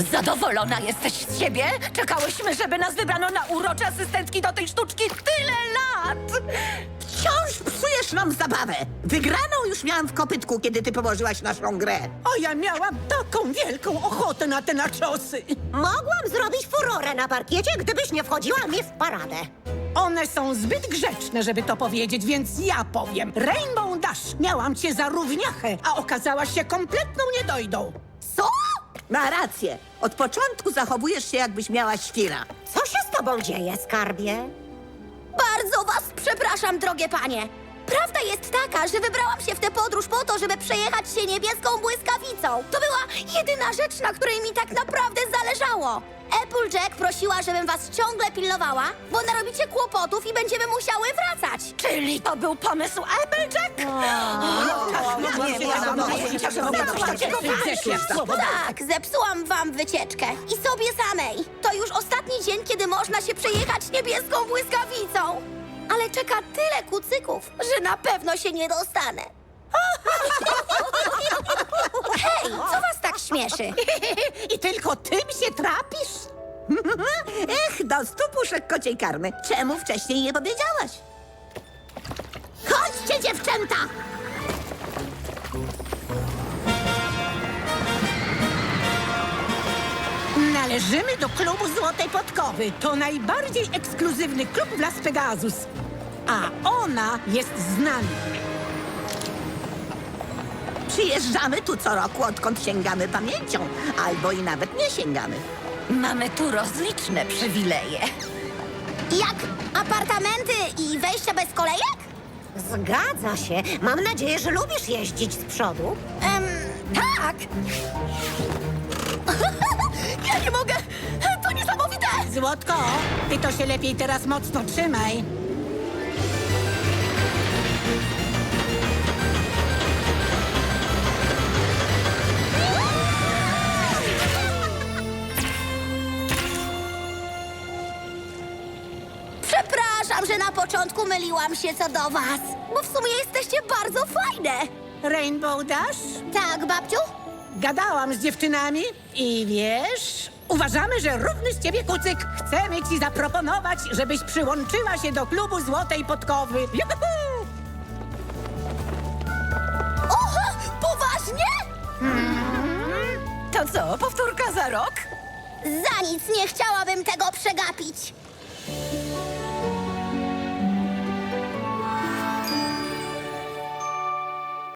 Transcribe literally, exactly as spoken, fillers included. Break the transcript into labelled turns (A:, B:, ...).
A: Zadowolona jesteś z siebie? Czekałyśmy, żeby nas wybrano na urocze asystentki do tej sztuczki tyle lat!
B: Wciąż psujesz nam zabawę. Wygraną już miałam w kopytku, kiedy ty położyłaś naszą grę.
C: A ja miałam taką wielką ochotę na te naczosy.
D: Mogłam zrobić furorę na parkiecie, gdybyś nie wchodziła mi w paradę.
C: One są zbyt grzeczne, żeby to powiedzieć, więc ja powiem. Rainbow Dash, miałam cię za równiachę, a okazałaś się kompletną niedojdą.
D: Co?
B: Ma rację. Od początku zachowujesz się, jakbyś miała świra.
D: Co się z tobą dzieje, skarbie?
E: Bardzo was przepraszam, drogie panie. Prawda jest taka, że wybrałam się w tę podróż po to, żeby przejechać się niebieską błyskawicą. To była jedyna rzecz, na której mi tak naprawdę zależało. Applejack prosiła, żebym was ciągle pilnowała, bo narobicie kłopotów i będziemy musiały wracać.
A: Czyli to był pomysł Applejack?
B: Nie, nie, ja mam pojęcia, że mogę coś takiego
E: Tak, zepsułam wam wycieczkę. I sobie samej. To już ostatni dzień, kiedy można się przejechać niebieską błyskawicą. Ale czeka tyle kucyków, że na pewno się nie dostanę. Hej, co was tak śmieszy?
C: I tylko tym się trapisz?
B: Ech, do stu puszek kociej karmy. Czemu wcześniej nie powiedziałaś? Chodźcie, dziewczęta!
C: Należymy do klubu Złotej Podkowy. To najbardziej ekskluzywny klub w Las Pegasus. A ona jest z nami.
B: Przyjeżdżamy tu co roku, odkąd sięgamy pamięcią. Albo i nawet nie sięgamy.
A: Mamy tu rozliczne przywileje.
E: Jak apartamenty i wejścia bez kolejek?
D: Zgadza się. Mam nadzieję, że lubisz jeździć z przodu.
E: Em, tak. Ja nie mogę. To niesamowite.
C: Złotko, ty to się lepiej teraz mocno trzymaj.
E: Przepraszam, że na początku myliłam się co do was, bo w sumie jesteście bardzo fajne.
C: Rainbow Dash?
E: Tak, babciu?
C: Gadałam z dziewczynami i wiesz, uważamy, że równy z ciebie kucyk. Chcemy ci zaproponować, żebyś przyłączyła się do klubu Złotej Podkowy. Juhu!
E: Oho, poważnie?
A: To co, powtórka za rok?
E: Za nic nie chciałabym tego przegapić.